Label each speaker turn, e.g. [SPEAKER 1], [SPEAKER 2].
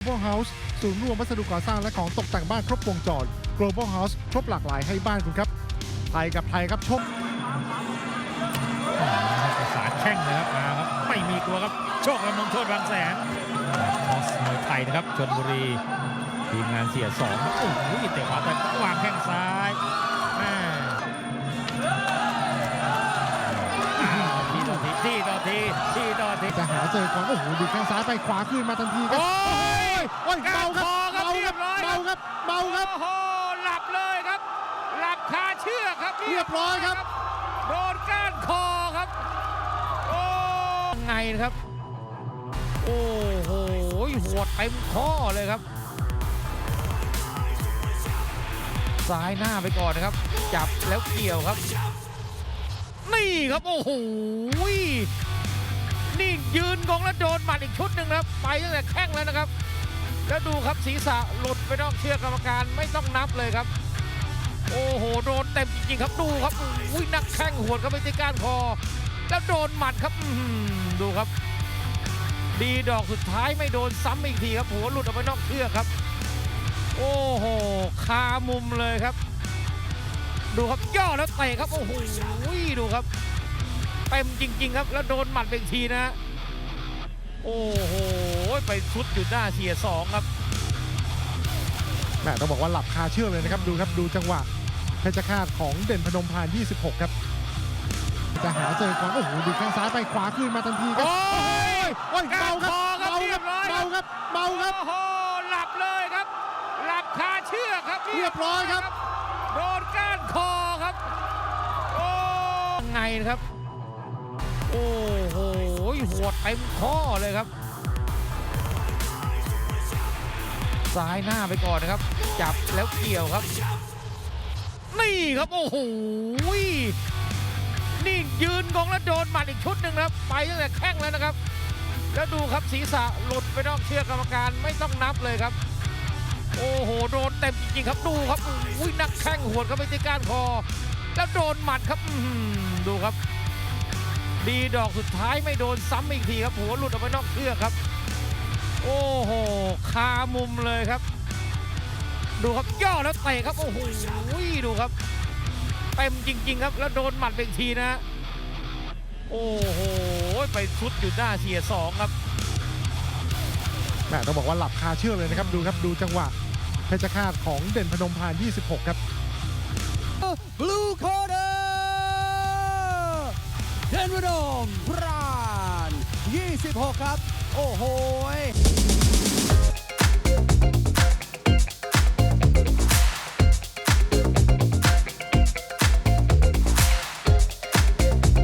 [SPEAKER 1] Global House ศูนย์รวมวัสดุก่อสร้างและของตกแต่งบ้านครบวงจร Global House ครบหลากหลายให้บ้านคุณครับไทยกับไทยครับชก
[SPEAKER 2] ประสานแข้งนะครับมาครับไม่มีกลัวครับโชคและมงโทษบางแสนคอสมวยไทยนะครับชลบุรีทีมงานเสียสองโอ้โหเตะขวาแต่วางแข้งซ้ายทีต่อที
[SPEAKER 1] จะหาเจอก่อนโอ้โหดูแข้งซ้ายไปขวาขึ้นมาทันทีครับ
[SPEAKER 2] โอ้ย
[SPEAKER 1] เบาครับเบาครับเบาครับเบาครับ
[SPEAKER 2] โอ้โหหลับเลยครับ หลับคาเชือกครับ
[SPEAKER 1] เรียบร้อยครับ
[SPEAKER 2] โดนก้านคอครับโอ้ไงนะครับโอ้โหหัวเต็มข้อเลยครับซ้ายหน้าไปก่อนนะครับจับแล้วเกี่ยวครับนี่ครับโอ้โหนี่ยืนงงแล้วโดนหมัดอีกชุดหนึ่งนะครับไปตั้งแต่แข้งแล้วนะครับแล้วดูครับศีรษะหลุดไปนอกเชือกกรรมการไม่ต้องนับเลยครับโอ้โหโดนเต็มจริงๆครับดูครับอุ้ยนักแข้งหัวเข้าไปที่ก้านคอแล้วโดนหมัดครับดูครับดีดอกสุดท้ายไม่โดนซ้ำอีกทีครับหัวหลุดออกไปนอกเชือกครับโอ้โหคามุมเลยครับดูครับย่อแล้วเตะครับโอ้โหดูครับเต็มจริงๆครับแล้วโดนหมัดไปอีกทีนะโอ้โหไปชุดอยู่หน้าเสียสองครับ
[SPEAKER 1] แม่ต้องบอกว่าหลับคาเชือกเลยนะครับดูครับดูจังหวะเพชรฆาตของเด่นพนมพาน26ครับจะหาเจอก่อนโอ้โหดูแข้งซ้ายไปขวาขึ้นมาทันทีครับโอ้ยเบาครับเบาครับเบาครับเบาครับ
[SPEAKER 2] โอ้โหหลับเลยครับหลับคาเชือกครับ
[SPEAKER 1] เรียบร้อยครับ
[SPEAKER 2] โดนก้านคอครับโอ้ไงนะครับโอ้โหหัวเต็มข้อเลยครับซ้ายหน้าไปก่อนนะครับจับแล้วเกี่ยวครับนี่ครับโอ้โหนี่ยืนงงแล้วโดนหมัดอีกชุดหนึ่งนะครับไปตั้งแต่แข้งแล้วนะครับแล้วดูครับศีรษะหลุดไปนอกเชือกกรรมการไม่ต้องนับเลยครับโอ้โหโดนเต็มจริงๆครับดูครับอุ้ยนักแข้งหัวเข้าไปที่ก้านคอแล้วโดนหมัดครับดูครับดีดอกสุดท้ายไม่โดนซ้ำอีกทีครับหัวหลุดออกไปนอกเชือกครับโอ้โหคามุมเลยครับดูครับย่อแล้วเตะครับโอ้โหดูครับเต็มจริงๆครับแล้วโดนหมัดไปอีกทีนะโอ้โหไปชุดอยู่หน้าเสียสองครับ
[SPEAKER 1] แม่ต้องบอกว่าหลับคาเชือกเลยนะครับดูครับดูจังหวะเพชรฆาตของเด่นพนมพาน26ครับ
[SPEAKER 3] Blue Corner เด่นพนมพราน26ครับโอ้โห